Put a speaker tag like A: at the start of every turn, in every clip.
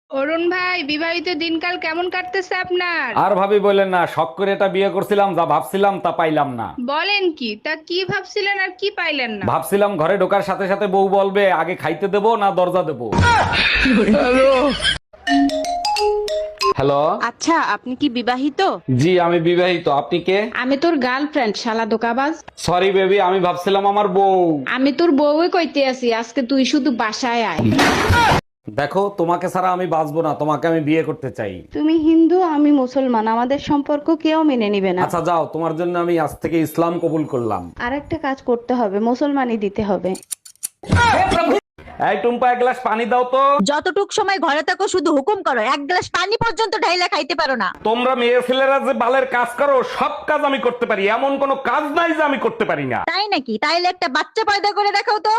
A: অরুণ ভাই, বিবাহিত দিনকাল কেমন কাটতেছে আপনার?
B: আর ভাবি বললেন না, শখ করে এটা বিয়ে করছিলাম, যা ভাবছিলাম তা পাইলাম না।
A: বলেন কি? তা কি ভাবছিলেন আর কি পাইলেন না?
B: ভাবছিলাম ঘরে ঢোকার সাথে সাথে বউ বলবে আগে খাইতে দেবো না দরজা দেবো। হ্যালো।
C: আচ্ছা, আপনি কি বিবাহিত?
B: জি আমি বিবাহিত, আপনি কে?
C: আমি তোর গার্লফ্রেন্ড, শালা দোকাবাজ।
B: সরি বেবি, আমি ভাবছিলাম আমার বউ।
C: আমি তোর বউই কইতে আছি, আজকে তুই শুধু বাসায় আয়।
B: দেখো, তোমাকে ছাড়া আমি বাঁচবো না, তোমাকে আমি বিয়ে করতে চাই।
C: তুমি হিন্দু, আমি মুসলমান, আমাদের সম্পর্ক কেউ মেনে নিবে না।
B: আচ্ছা যাও, তোমার জন্য আমি আজ থেকে ইসলাম কবুল করলাম।
C: আর একটা কাজ করতে হবে, মুসলমানই দিতে হবে।
B: এই টুম্পা, এক গ্লাস পানি দাও তো।
D: যতটুক সময় ঘরে থাকো শুধু হুকুম করো, এক গ্লাস পানি পর্যন্ত ঢাইলা খাইতে পারো না।
B: তোমরা মেয়ে ছেলেরা যে বালের কাজ করো, সব কাজ আমি করতে পারি, এমন কোনো কাজ নাই যে আমি করতে পারি না।
D: তাই নাকি? তাইলে একটা বাচ্চা পয়দা করে দেখাও তো।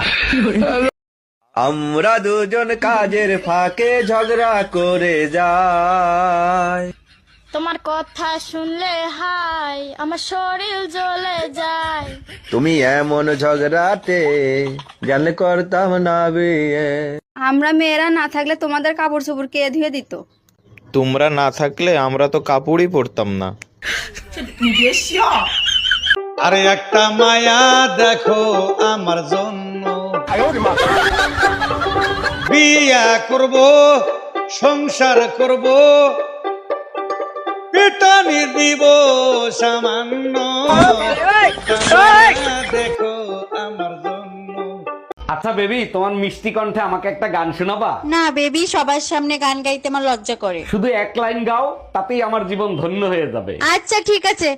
E: আমরা দুজন কাজের ফাঁকে ঝগড়া করে যাই।
F: তোমার কথা শুনলে হাই আমার শরীর জ্বলে যায়।
E: তুমি এমন ঝগড়াতে জানলে করতাম না বিয়ে।
G: আমরা মেয়েরা না থাকলে তোমাদের কাপড় চোপড় কে ধুয়ে দিত?
H: তোমরা না থাকলে আমরা তো কাপড়ই পরতাম না।
I: আরে একটা মায়া দেখো আমার জন্য, বিয়া করব সংসার করব, পিটানি দিব সামান্য, দেখো আমার জন্য।
B: আচ্ছা বেবি, তোমার মিষ্টি কণ্ঠে আমাকে একটা গান শোনাবা?
D: না বেবি, সবার সামনে গান গাইতে আমার লজ্জা করে।
B: শুধু এক লাইন গাও, তাতেই আমার জীবন ধন্য হয়ে যাবে।
D: আচ্ছা ঠিক আছে।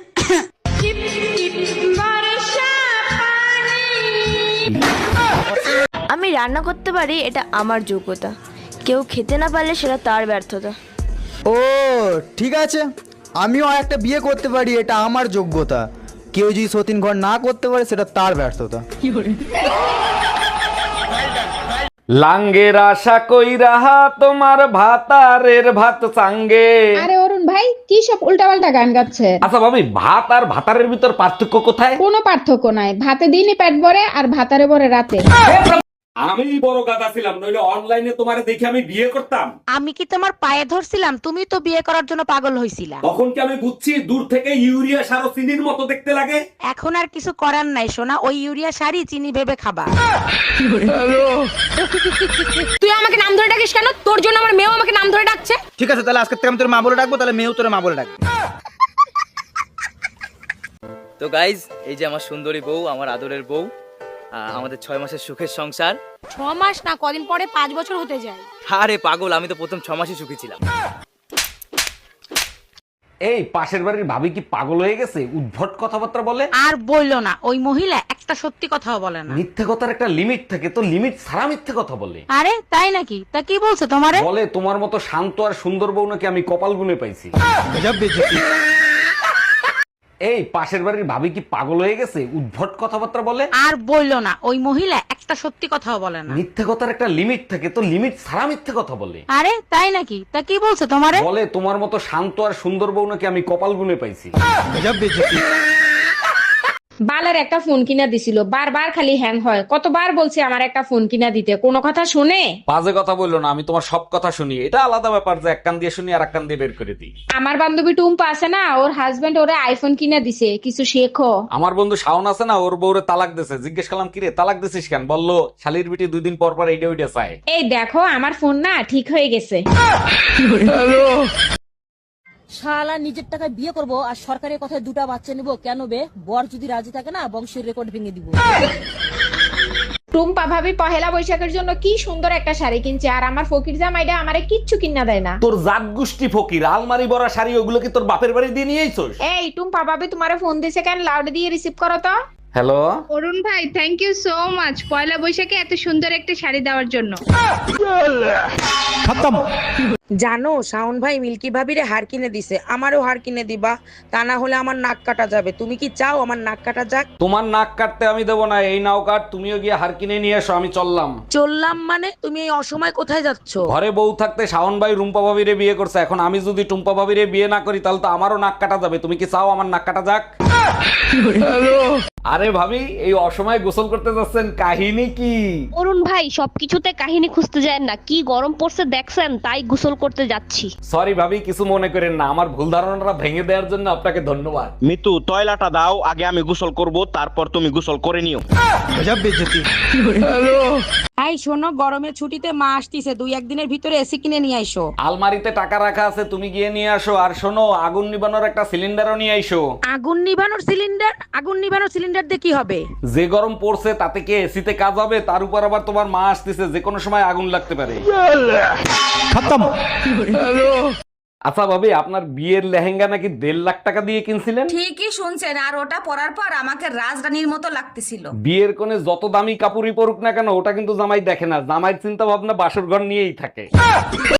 F: আমি রান্না করতে পারি, এটা আমার যোগ্যতা। কেউ খেতে না পারলে সেটা তার ব্যর্থতা।
J: ও ঠিক আছে, আমিও একটা বিয়ে করতে পারি, এটা আমার যোগ্যতা। কেউ যদি সতীন ঘর না করতে পারে সেটা তার ব্যর্থতা।
B: লাঙ্গের আশা কইরা তোমার ভাতারের ভাত চাঙ্গে।
C: আরে অরুণ ভাই, কি সব উল্টাপাল্টা গান গাচ্ছে?
B: আচ্ছা ভাবি, ভাত আর ভাতারের ভিতর পার্থক্য কোথায়?
C: কোনো পার্থক্য নাই, ভাতে দিনই পেট ভরে আর ভাতারে ভরে রাতে।
B: আমি বড় গাদা ছিলাম, নইলে অনলাইনে তোমারে দেখে আমি বিয়ে করতাম।
D: আমি কি তোমার পায়ে ধরছিলাম? তুমি তো বিয়ে করার জন্য পাগল হইছিলা।
B: তখন কি আমি বুঝছি দূর থেকে ইউরিয়া সার ও চিনির মতো দেখতে লাগে?
D: এখন আর কিছু করার নাই সোনা, ওই ইউরিয়া শাড়ি চিনি ভেবে খাবা।
F: তুই আমাকে নাম ধরে ডাকিস কেন? তোর জন্য আমার মেয়েও আমাকে নাম ধরে ডাকছে।
J: ঠিক আছে, তাহলে আজকে থেকে আমি তোর মা বলে ডাকবো, তাহলে মেয়েও তোর মা বলে ডাকবে।
K: তো গাইজ, এই যে আমার সুন্দরী বউ, আমার আদরের বউ, আমাদের 6 মাসের সুখের সংসার।
F: 6 মাস না, কদিন পরে 5 বছর হতে যায়।
K: আরে পাগল, আমি তো প্রথম 6 মাসই সুখী ছিলাম।
B: এই পাশের বাড়ির ভাবি কি পাগল হয়ে গেছে? উদ্ভট কথাবার্তা বলে।
D: আর বললো না, ওই মহিলা একটা সত্যি কথাও বলে না।
B: মিথ্যে কথার একটা লিমিট থাকে, তো লিমিট ছাড়া মিথ্যে কথা বলে।
D: আরে তাই নাকি? তা কি বলছে তোমারে?
B: বলে তোমার মতো শান্ত আর সুন্দর বউ নাকি আমি কপাল গুনে পাইছি। এই পাশের বাড়ির ভাবি কি পাগল হয়ে গেছে? উদ্ভট কথাবার্তা বলে।
D: আর বললো না, ওই মহিলা একটা সত্যি কথাও বলে না।
B: মিথ্যে কথার একটা লিমিট থাকে, তো লিমিট ছাড়া মিথ্যে কথা বলে।
D: আরে তাই নাকি? তা কি বলছে তোমারে?
B: বলে তোমার মতো শান্ত আর সুন্দর বউ নাকি আমি কপাল গুনে পাইছি।
C: বালের একটা ফোন কিনা দিছিল, বারবার খালি হ্যাং হয়। কতবার বলছি আমার একটা ফোন কিনা দিতে, কোনো কথা শুনে?
B: বাজে কথা বললো না, আমি তোমার সব কথা শুনি। এটা আলাদা ব্যাপার যে এক কান দিয়ে শুনি আর এক কান দিয়ে বের করে দিই।
C: আমার বান্ধবী টুম্পা আছে না, ওর হাজবেন্ড ওরে আইফোন কিনা দিছে, কিছু শেখো।
B: আমার বন্ধু শাওন আছে না, ওর বউরে তালাক দিছে। জিজ্ঞেস করলাম কিরে তালাক দিছিস কেন? বললো শালির বিটি 2 দিন পর পর এইটা ওইটা চায়।
C: এই দেখো, আমার ফোন না ঠিক হয়ে গেছে।
D: শালা নিজের টাকায় বিয়ে করব আর সরকারের কথায় 2টা বাচ্চা নিব কেন বে? বর যদি রাজি থাকে না, বংশের রেকর্ড ভেঙে দিব।
C: টুম্পা ভাবি পহেলা বৈশাখের জন্য কি সুন্দর একটা শাড়ি কিনছে, আর আমার ফকির জামাইটা আমারে কিচ্ছু কিনা দেয় না।
B: তোর জাত গোষ্ঠী ফকির, আলমারি ভরা শাড়ি ওগুলো কি তোর বাপের বাড়ি দিয়ে নিয়ে আইছস?
C: এই টুম্পা ভাবি তোমারে ফোন দিছে কেন? লাউড দিয়ে রিসিভ করো তো।
B: হ্যালো।
A: অরুণ ভাই, থ্যাংক ইউ সো মাচ পয়লা বৈশাখে এত সুন্দর একটা শাড়ি দেওয়ার জন্য।
C: জানো শাওন ভাই মিল্কি ভাবিরে হার কিনে দিছে, আমারও হার কিনে দিবা, তা না হলে আমার নাক কাটা যাবে। তুমি কি চাও আমার নাক কাটা যাক?
B: তোমার নাক কাটতে আমি দেবো না, এই নাও কাট। তুমিও গিয়ে হার কিনে নিয়ে এসো, আমি চললাম।
C: চললাম মানে? তুমি এই অসময় কোথায় যাচ্ছ?
B: ঘরে বউ থাকতে শাওন ভাই রুম্পা ভাবিরে বিয়ে করছে, এখন আমি যদি টুম্পা ভাবিরে বিয়ে না করি তাহলে তো আমারও নাক কাটা যাবে। তুমি কি চাও আমার নাক কাটা যাক? আরে ভাবি, এই অসময়ে গোসল করতে যাচ্ছেন, কাহিনী কি?
F: অরুণ ভাই সবকিছুতে কাহিনী খুঁজতে যায় না, কি গরম পড়ছে দেখছেন, তাই গোসল করতে যাচ্ছি।
B: সরি ভাবি, কিছু মনে করেন না, আমার ভুল ধারণাটা ভেঙে দেওয়ার জন্য আপনাকে ধন্যবাদ।
E: মিতু তয়লাটা দাও, আগে আমি গোসল করব, তারপর তুমি গোসল করে নিও।
C: এই শোনো, গরমের ছুটিতে মা আসতিছে, 2-1 দিনের ভিতরে এসি কিনে নিয়ে আইসো।
B: আলমারিতে টাকা রাখা আছে, তুমি গিয়ে নিয়ে আসো। আর শোনো, আগুন নিবানোর একটা সিলিন্ডারও নিয়ে আইসো।
C: আগুন নিভানোর সিলিন্ডার দিয়ে কি হবে?
B: যে গরম পড়ছে তাতে কি এসিতে কাজ হবে? তার উপর আবার তোমার মা আসতেছে, যে কোনো সময় আগুন লাগতে পারে। আচ্ছা ভাবি, আপনার বিয়ের লেহেঙ্গা নাকি 1.5 লাখ টাকা দিয়ে কিনছিলেন?
C: ঠিকই শুনছেন, আর ওটা পরার পর আমাকে রাজরানীর মতো লাগতেছিল।
B: বিয়ের কোণে যত দামি কাপড়ই পরুক না কেন, ওটা কিন্তু জামাই দেখে না। জামাইয়ের চিন্তা ভাবনা বাসর ঘর নিয়েই থাকে।